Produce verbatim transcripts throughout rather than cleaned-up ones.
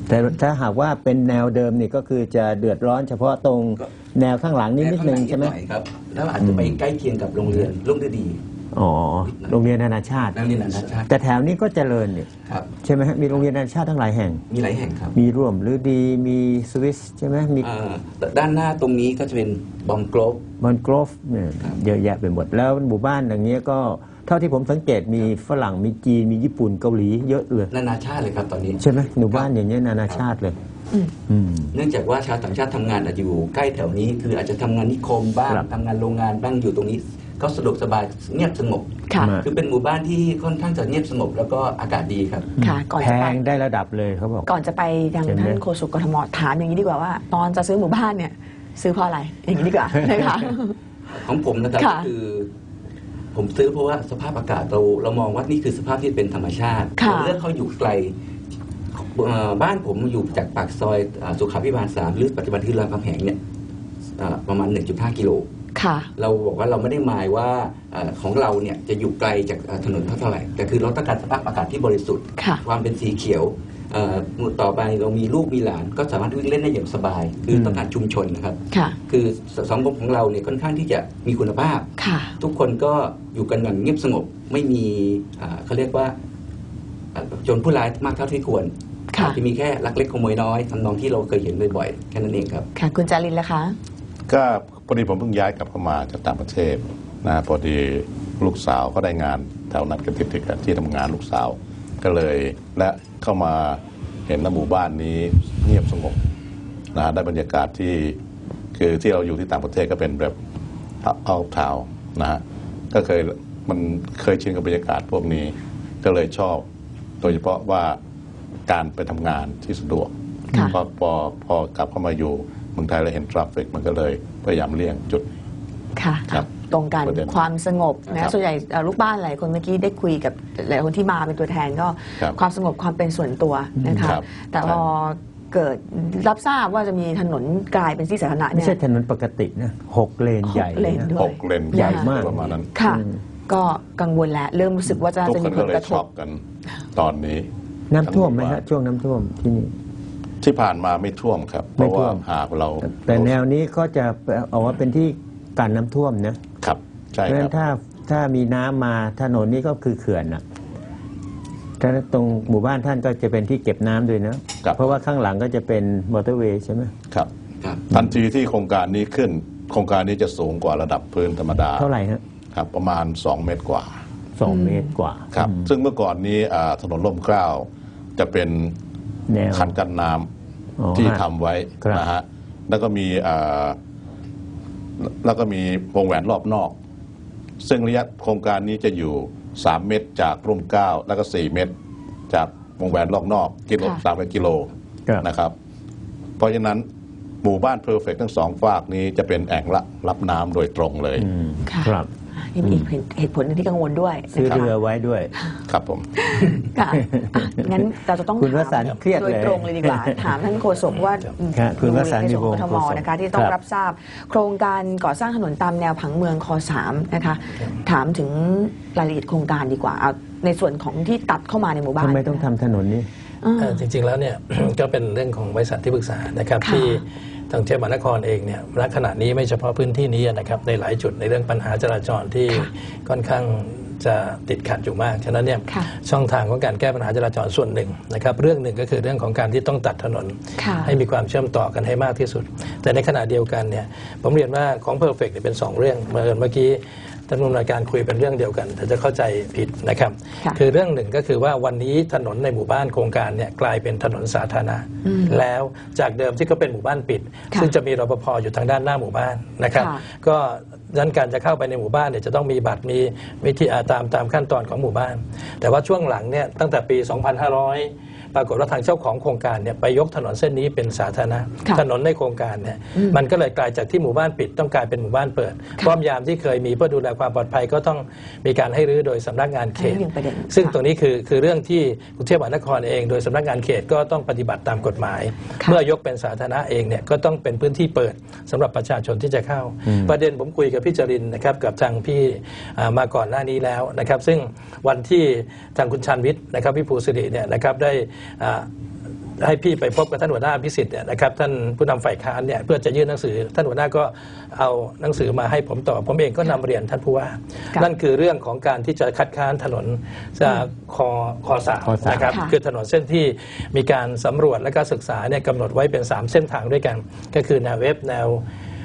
แต่ถ้าหากว่าเป็นแนวเดิมนี่ก็คือจะเดือดร้อนเฉพาะตรงแนวข้างหลังนิดนิดนึงใช่ไหมครับแล้วอาจจะไปใกล้เคียงกับโรงเรียนรุ่งฤดีอ๋อโรงเรียนนานาชาติโรงเรียนนานาชาติแต่แถวนี้ก็เจริญนี่ครับใช่ไหมฮะมีโรงเรียนนานาชาติทั้งหลายแห่งมีหลายแห่งครับมีร่วมหรือดีมีสวิสใช่ไหมมีด้านหน้าตรงนี้ก็จะเป็นบอมโกลฟบอมโกลฟเนี่ยเยอะแยะไปหมดแล้วหมู่บ้านอย่างนี้ก็เท่าที่ผมสังเกตมีฝรั่งมีจีนมีญี่ปุ่นเกาหลีเยอะเลยนานาชาติเลยครับตอนนี้ใช่ไหมหมู่บ้านอย่างนี้นานาชาติเลยเนื่องจากว่าชาวต่างชาติทำงานอาจจะอยู่ใกล้แถวนี้คืออาจจะทำงานนิคมบ้างทำงานโรงงานบ้างอยู่ตรงนี้ก็สะดวกสบายเงียบสงบคือเป็นหมู่บ้านที่ค่อนข้างจะเงียบสงบแล้วก็อากาศดีครับแพงได้ระดับเลยเขาบอกก่อนจะไปทางท่านโฆษกกทมถามอย่างนี้ดีกว่าว่าตอนจะซื้อหมู่บ้านเนี่ยซื้อเพราะอะไรอย่างนี้ดีกว่านะคะของผมนะครับก็คือผมซื้อเพราะว่าสภาพอากาศเราเรามองว่านี่คือสภาพที่เป็นธรรมชาติเราเลือกเขาอยู่ไกลบ้านผมอยู่จากปากซอยสุขาภิบาลสามหรือปัจจุบันที่รามคำแหงเนี่ยประมาณ หนึ่งจุดห้า กิโลเราบอกว่าเราไม่ได้หมายว่าของเราเนี่ยจะอยู่ไกลจากถนนเท่าไหร่แต่คือเราต้องการสภาพอากาศที่บริสุทธิ์ความเป็นสีเขียวต่อไปเรามีลูกมีหลานก็สามารถวิ่งเล่นได้อย่างสบายคือต้องการชุมชนนะครับคือสังคมของเราเนี่ยค่อนข้างที่จะมีคุณภาพทุกคนก็อยู่กันอย่างเงียบสงบไม่มีเขาเรียกว่าโจรผู้ร้ายมากเท่าที่ควรจะมีแค่ลักเล็กขโมยน้อยทำนองที่เราเคยเห็นบ่อยๆแค่นั้นเองครับค่ะคุณจารินล่ะคะก็พอดีผมเพิ่งย้ายกลับเข้ามาจากต่างประเทศนะพอดีลูกสาวก็ได้งานแถวนั้นกันติดๆกันที่ทำงานลูกสาวก็เลยและเข้ามาเห็นหมู่บ้านนี้เงียบสงบนะได้บรรยากาศที่คือที่เราอยู่ที่ต่างประเทศก็เป็นแบบเอาเท้านะฮะก็เคยมันเคยชินกับบรรยากาศพวกนี้ก็เลยชอบโดยเฉพาะว่าการไปทำงานที่สะดวกพอพอพอกลับเข้ามาอยู่เมืองไทยแล้วเห็นทราฟฟิกมันก็เลยพยายามเลี่ยงจุดค่ะตรงกันความสงบนะส่วนใหญ่ลูกบ้านหลายคนเมื่อกี้ได้คุยกับหลายคนที่มาเป็นตัวแทนก็ความสงบความเป็นส่วนตัวนะคะแต่พอเกิดรับทราบว่าจะมีถนนกลายเป็นที่สาธารณะเนี่ยไม่ใช่ถนนปกตินะหกเลนใหญ่หกเลนใหญ่มากประมาณนั้นค่ะก็กังวลแล้วเริ่มรู้สึกว่าจะจะมีผลกระทบกันตอนนี้น้ำท่วมไหมฮะช่วงน้ำท่วมที่นี่ที่ผ่านมาไม่ท่วมครับเพราะว่าหากเราแต่แนวนี้ก็จะเอาว่าเป็นที่การน้ำท่วมนะครับใช่ครับเพราะฉะนั้นถ้าถ้ามีน้ำมาถนนนี้ก็คือเขื่อนนะถ้าตรงหมู่บ้านท่านก็จะเป็นที่เก็บน้ำด้วยนะเพราะว่าข้างหลังก็จะเป็นมอเตอร์เวย์ใช่ไหมครับทันทีที่โครงการนี้ขึ้นโครงการนี้จะสูงกว่าระดับพื้นธรรมดาเท่าไหร่ฮะครับประมาณสองเมตรกว่าสองเมตรกว่าครับซึ่งเมื่อก่อนนี้ถนนร่มเกล้าจะเป็นคันกั้นน้ำที่ทำไว้นะฮะแล้วก็มีแล้วก็มีวงแหวนรอบนอกซึ่งระยะโครงการนี้จะอยู่สามเมตรจากร่มเกล้าแล้วก็สี่เมตรจากวงแหวนรอบนอกกิโลสามกิโลนะครับเพราะฉะนั้นหมู่บ้านเพอร์เฟกต์ทั้งสองฝากนี้จะเป็นแอ่งรับน้ำโดยตรงเลยครับนี่มีเหตุผลที่กังวลด้วยซื้อเรือไว้ด้วยครับผมค่ะงั้นเราจะต้องคุณวสันต์เครียดเลยโดยตรงเลยดีกว่าถามท่านโฆษกว่าคุณวสันต์ในส่วนของกทมนะคะที่ต้องรับทราบโครงการก่อสร้างถนนตามแนวผังเมืองคสามนะคะถามถึงรายละเอียดโครงการดีกว่าเอาในส่วนของที่ตัดเข้ามาในหมู่บ้านทำไมต้องทำถนนนี้จริงๆแล้วเนี่ยก็เป็นเรื่องของบริษัทที่ปรึกษานะครับที่ทางเทศบาลนครเองเนี่ยณขณะนี้ไม่เฉพาะพื้นที่นี้นะครับในหลายจุดในเรื่องปัญหาจราจรที่ค่อนข้างจะติดขัดอยู่มากฉะนั้นเนี่ยช่องทางของการแก้ปัญหาจราจรส่วนหนึ่งนะครับเรื่องหนึ่งก็คือเรื่องของการที่ต้องตัดถนนให้มีความเชื่อมต่อกันให้มากที่สุดแต่ในขณะเดียวกันเนี่ยผมเรียนว่าของ Perfect เป็นสองเรื่องเมื่อกี้ท่านผู้อำนวยการคุยเป็นเรื่องเดียวกันแต่จะเข้าใจผิดนะครับคือเรื่องหนึ่งก็คือว่าวันนี้ถนนในหมู่บ้านโครงการเนี่ยกลายเป็นถนนสาธารณะแล้วจากเดิมที่ก็เป็นหมู่บ้านปิดซึ่งจะมีรปภอยู่ทางด้านหน้าหมู่บ้านนะครับก็ดังนั้นการจะเข้าไปในหมู่บ้านเนี่ยจะต้องมีบัตรมีวิธีตามตามขั้นตอนของหมู่บ้านแต่ว่าช่วงหลังเนี่ยตั้งแต่ปี สองพันห้าร้อย ปรากฏว่าทางเจ้าของโครงการเนี่ยไปยกถนนเส้นนี้เป็นสาธารณะถนนในโครงการเนี่ยมันก็เลยกลายจากที่หมู่บ้านปิดต้องกลายเป็นหมู่บ้านเปิดป้อมยามที่เคยมีเพื่อดูแลความปลอดภัยก็ต้องมีการให้รื้อโดยสำนักงานเขตซึ่งตรงนี้คือคือเรื่องที่กรุงเทพมหานครเองโดยสำนักงานเขตก็ต้องปฏิบัติตามกฎหมายเมื่อยกเป็นสาธารณะเองเนี่ยก็ต้องเป็นพื้นที่เปิดสำหรับประชาชนที่จะเข้าประเด็นผมคุยกับพี่จรินนะครับกับทางพี่มาก่อนหน้านี้แล้วนะครับซึ่งวันที่ทางคุณชันวิทย์นะครับพี่ภูสิริเนี่ยนะครับได้ให้พี่ไปพบกับท่านหัวหน้าพิสิทธิ์เนี่ยนะครับท่านผู้นำฝ่ายค้านเนี่ยเพื่อจะยื่นหนังสือท่านหัวหน้าก็เอาหนังสือมาให้ผมตอบผมเองก็นำเรียนท่านผู้ว่านั่นคือเรื่องของการที่จะคัดค้านถนนจากคอคอสามนะครับคือถนนเส้นที่มีการสำรวจและก็ศึกษาเนี่ยกำหนดไว้เป็นสามเส้นทางด้วยกันก็คือแนวเวฟแนว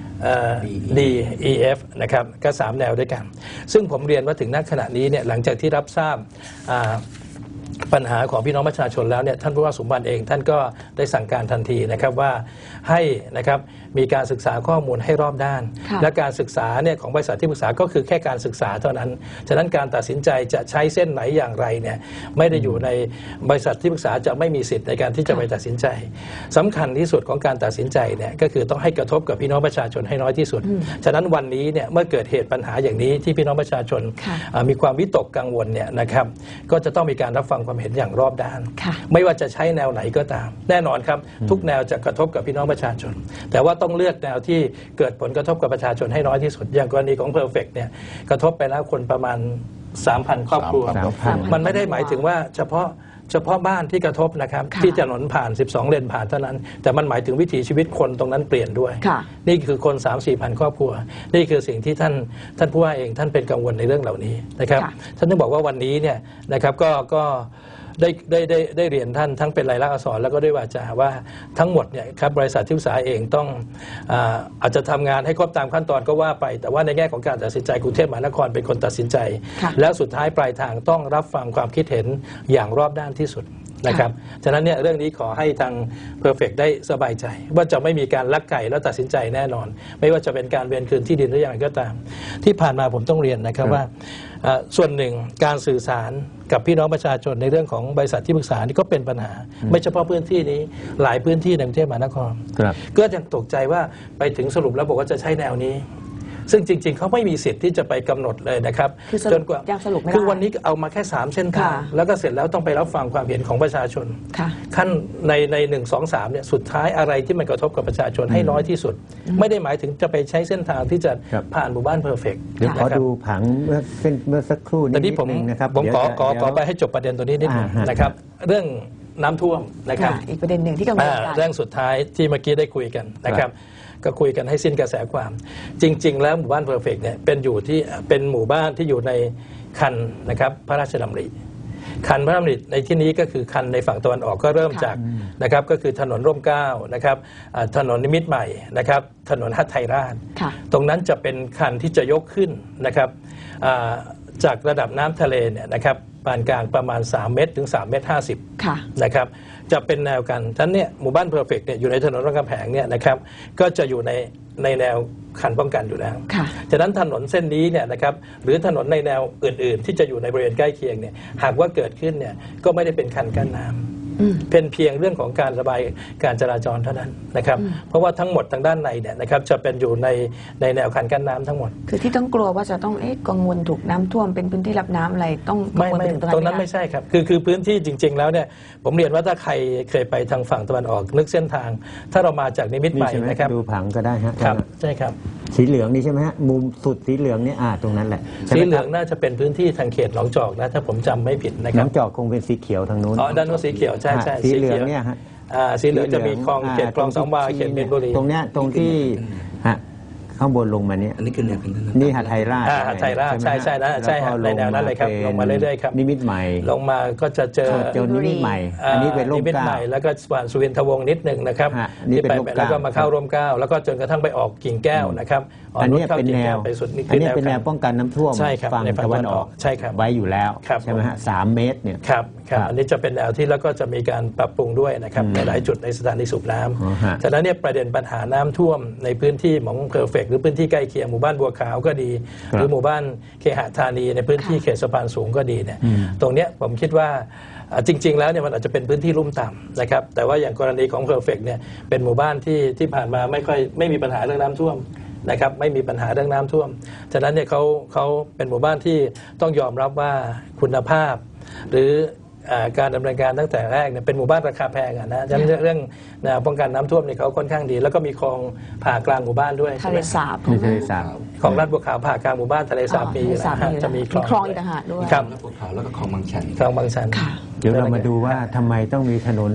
D E F นะครับก็สามแนวด้วยกันซึ่งผมเรียนว่าถึงณขณะนี้เนี่ยหลังจากที่รับทราบปัญหาของพี่น้องประชาชนแล้วเนี่ยท่านผู้ว่าสมบัติเองท่านก็ได้สั่งการทันทีนะครับว่าให้นะครับมีการศึกษาข้อมูลให้รอบด้านและการศึกษาเนี่ยของบริษัทที่ปรึกษาก็คือแค่การศึกษาเท่านั้นฉะนั้นการตัดสินใจจะใช้เส้นไหนอย่างไรเนี่ยไม่ได้อยู่ในบริษัทที่ปรึกษาจะไม่มีสิทธิ์ในการที่จะไปตัดสินใจสำคัญที่สุดของการตัดสินใจเนี่ยก็คือต้องให้กระทบกับพี่น้องประชาชนให้น้อยที่สุดฉะนั้นวันนี้เนี่ยเมื่อเกิดเหตุปัญหาอย่างนี้ที่พี่น้องประชาชนมีความวิตกกังวลเนี่ยนะครับก็จะต้องมีการรับฟังความเห็นอย่างรอบด้านไม่ว่าจะใช้แนวไหนก็ตามแน่นอนครับทุกแนวจะกระทบกับพี่น้องประชาชนแต่ว่าต้องเลือกแนวที่เกิดผลกระทบกับประชาชนให้น้อยที่สุดอย่างกรณีของ Perfect เนี่ยกระทบไปแล้วคนประมาณ สามพัน ครอบครัวมันไม่ได้หมายถึงว่าเฉพาะเฉพาะบ้านที่กระทบนะครับที่ถนนผ่านสิบสองเลนผ่านเท่านั้นแต่มันหมายถึงวิถีชีวิตคนตรงนั้นเปลี่ยนด้วยนี่คือคน สามสี่พัน ครอบครัวนี่คือสิ่งที่ท่านท่านผู้ว่าเองท่านเป็นกังวลในเรื่องเหล่านี้นะครับท่านต้องบอกว่าวันนี้เนี่ยนะครับก็ก็ได้ได้ได้ได้เรียนท่านทั้งเป็นลายลักษณ์อักษรแล้วก็ด้วยวาจาว่าทั้งหมดเนี่ยครับบริษัทที่ปรึกษาเองต้องอ่าอาจจะทำงานให้ครบตามขั้นตอนก็ว่าไปแต่ว่าในแง่ของการตัดสินใจกรุงเทพมหานครเป็นคนตัดสินใจแล้วสุดท้ายปลายทางต้องรับฟังความคิดเห็นอย่างรอบด้านที่สุดนะครับฉะนั้นเนี่ยเรื่องนี้ขอให้ทาง Perfect ได้สบายใจว่าจะไม่มีการลักไก่แล้วตัดสินใจแน่นอนไม่ว่าจะเป็นการเวียนคืนที่ดินหรืออย่างไรก็ตามที่ผ่านมาผมต้องเรียนนะครับว่าส่วนหนึ่งการสื่อสารกับพี่น้องประชาชนในเรื่องของบริษัทที่ปรึกษานี่ก็เป็นปัญหาไม่เฉพาะพื้นที่นี้หลายพื้นที่ในกรุงเทพมหานครก็ยังตกใจว่าไปถึงสรุปแล้วบอกว่าจะใช้แนวนี้ซึ่งจริงๆเขาไม่มีสิทธิ์ที่จะไปกำหนดเลยนะครับจนกว่าคือวันนี้เอามาแค่สามเส้นทางแล้วก็เสร็จแล้วต้องไปรับฟังความเห็นของประชาชนขั้นในในหนึ่งสองสามเนี่ยสุดท้ายอะไรที่มันกระทบกับประชาชนให้น้อยที่สุดไม่ได้หมายถึงจะไปใช้เส้นทางที่จะผ่านหมู่บ้านเพอร์เฟกต์เดี๋ยวขอดูผังเมื่อเส้นเมื่อสักครู่นิดนึงนะครับผมขอขอขอไปให้จบประเด็นตัวนี้นิดนึงนะครับเรื่องน้ำท่วมนะครับอีกประเด็นหนึ่งที่กังวลกันเรื่องสุดท้ายที่เมื่อกี้ได้คุยกันนะครับก็คุยกันให้สิ้นกระแสความจริงๆแล้วหมู่บ้านเพอร์เฟกต์เนี่ยเป็นอยู่ที่เป็นหมู่บ้านที่อยู่ในคันนะครับพระราชดำริคันพระราชดำริในที่นี้ก็คือคันในฝั่งตะวันออกก็เริ่มจากนะครับก็คือถนนร่มเกล้านะครับถนนนิมิตรใหม่นะครับถนนฮัทไทยราชตรงนั้นจะเป็นคันที่จะยกขึ้นนะครับจากระดับน้ำทะเลเนี่ยนะครับปานกลางประมาณสามเมตรถึงสามเมตรห้าสิบนะครับจะเป็นแนวกันท่านเนี่ยหมู่บ้านเพอร์เฟกต์เนี่ยอยู่ในถนนรามคำแหงเนี่ยนะครับก็จะอยู่ในในแนวคันป้องกันอยู่แล้วฉะนั้นถนนเส้นนี้เนี่ยนะครับหรือถนนในแนวอื่นๆที่จะอยู่ในบริเวณใกล้เคียงเนี่ยหากว่าเกิดขึ้นเนี่ยก็ไม่ได้เป็นคันกั้นน้ำเป็นเพียงเรื่องของการระบายการจราจรเท่านั้นนะครับเพราะว่าทั้งหมดทางด้านในเนี่ยนะครับจะเป็นอยู่ในในแนวคันกั้นน้ำทั้งหมดคือที่ต้องกลัวว่าจะต้องเอ๊ะกังวลถูกน้ำท่วมเป็นพื้นที่รับน้ำอะไรต้องไม่ไม่ตรงนั้นไม่ใช่ครับคือคือพื้นที่จริงๆแล้วเนี่ยผมเรียนว่าถ้าใครเคยไปทางฝั่งตะวันออกนึกเส้นทางถ้าเรามาจากนิมิตรใหม่นะครับดูผังก็ได้ฮะครับใช่ครับสีเหลืองนี่ใช่ไหมฮะมุมสุดสีเหลืองนี่อ่าตรงนั้นแหละสีเหลืองน่าจะเป็นพื้นที่ทางเขตหนองจอกนะถ้าผมจำไม่ผิดนะครับหนองจอกคงเป็นสีเขียวทางนู้นอ๋อด้านโน้นสีเขียวใช่ใช่สีเหลืองเนี่ยฮะสีเหลืองจะมีคลองเขตคลองสองวาเขตมีนบุรีตรงเนี้ยตรงที่ฮะข้างบนลงมาเนี่ยอันนี้คือแนวคันนี่หาดไทยราชหาดไทยราชใช่ใช่นะใช่ในแนวนั้นเลยครับลงมาเรื่อยๆครับนิมิตรใหม่ลงมาก็จะเจอเจอนิมิตรใหม่อันนี้เป็นร่มเกล้าแล้วก็ผ่านสุวินทวงศ์นิดหนึ่งนะครับที่ไปแล้วก็มาเข้าร่มเกล้าแล้วก็จนกระทั่งไปออกกิ่งแก้วนะครับอันนี้เป็นแนวอันนี้เป็นแนวป้องกันน้ำท่วมฝั่งตะวันออกใช่ครับไว้อยู่แล้วใช่ไหมฮะสามเมตรเนี่ยครับครับอันนี้จะเป็นแนวที่แล้วก็จะมีการปรับปรุงด้วยนะครับในหลายจุดในสถานีสูบน้ำฉะนั้นเนี่ยประเด็นปัญหาน้ำท่วมในพื้นที่ของเพอร์เฟกต์หรือพื้นที่ใกล้เคียงหมู่บ้านบัวขาวก็ดีหรือหมู่บ้านเคหธานีในพื้นที่เขตสะพานสูงก็ดีเนี่ยตรงเนี้ยผมคิดว่าจริงๆแล้วเนี่ยมันอาจจะเป็นพื้นที่ลุ่มต่ำนะครับแต่ว่าอย่างกรณีของเพอร์เฟกต์เนี่ยเป็นหมู่บ้านที่ที่ผ่านมาไม่ค่อยไม่มีปัญหาเรื่องน้ำท่วมนะครับไม่มีปัญหาเรื่องน้ำท่วมฉะนั้นเนี่ยเขาเขาเป็นหมู่บ้านที่ต้องยอมรับว่าคุณภาพหรือการดำเนินการตั้งแต่แรกเนี่ยเป็นหมู่บ้านราคาแพงอ่ะนะฉะนั้นเรื่องป้องกันน้ำท่วมเนี่ยเขาค่อนข้างดีแล้วก็มีคลองผ่ากลางหมู่บ้านด้วยทะเลสาบทะเลสาบของลาดบัวขาวผ่ากลางหมู่บ้านทะเลสาบมีอยู่นะจะมีคลองอีกต่างหากด้วยครับลาดบัวขาวแล้วก็คลองบางชันคลองบางชันเดี๋ยวเรามาดูว่าทำไมต้องมีถนน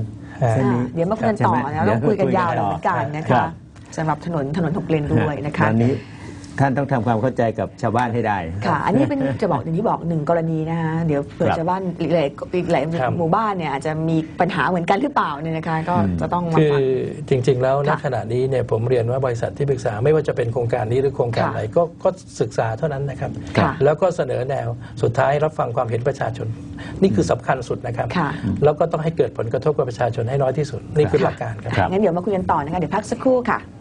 เส้นนี้เดี๋ยวมาคุยกันต่อใช่ไหมนะต้องคุยกันยาวเดี๋เหยวมือนกันนะครัคะบสำหรับถนนถนนหกเลนด้วยนะคะตอนนี้ท่านต้องทำความเข้าใจกับชาวบ้านให้ได้ค่ะ อันนี้เป็นจะบอกอย่างที่บอกหนึ่งกรณีนะคะเดี๋ยวเผื่อครับชาวบ้านอีกหลายอีกหลายครับหมู่บ้านเนี่ยอาจจะมีปัญหาเหมือนกันหรือเปล่าเนี่ยนะคะ ก็อืมจะต้องมาคือฟังจริง ๆ แล้วณค่ะขณะนี้เนี่ยผมเรียนว่าบริษัทที่ปรึกษาไม่ว่าจะเป็นโครงการนี้หรือโครงการค่ะไหนก็ก็ศึกษาเท่านั้นนะครับค่ะแล้วก็เสนอแนวสุดท้ายรับฟังความเห็นประชาชน นี่คือสำคัญสุดนะครับค่ะแล้วก็ต้องให้เกิดผลกระทบกับประชาชนให้น้อยที่สุด นี่คือหลักการครับครับงั้นเดี๋ยวมาคุยกันต่อนะคะเดี๋ยวพักสักครู่ค่ะ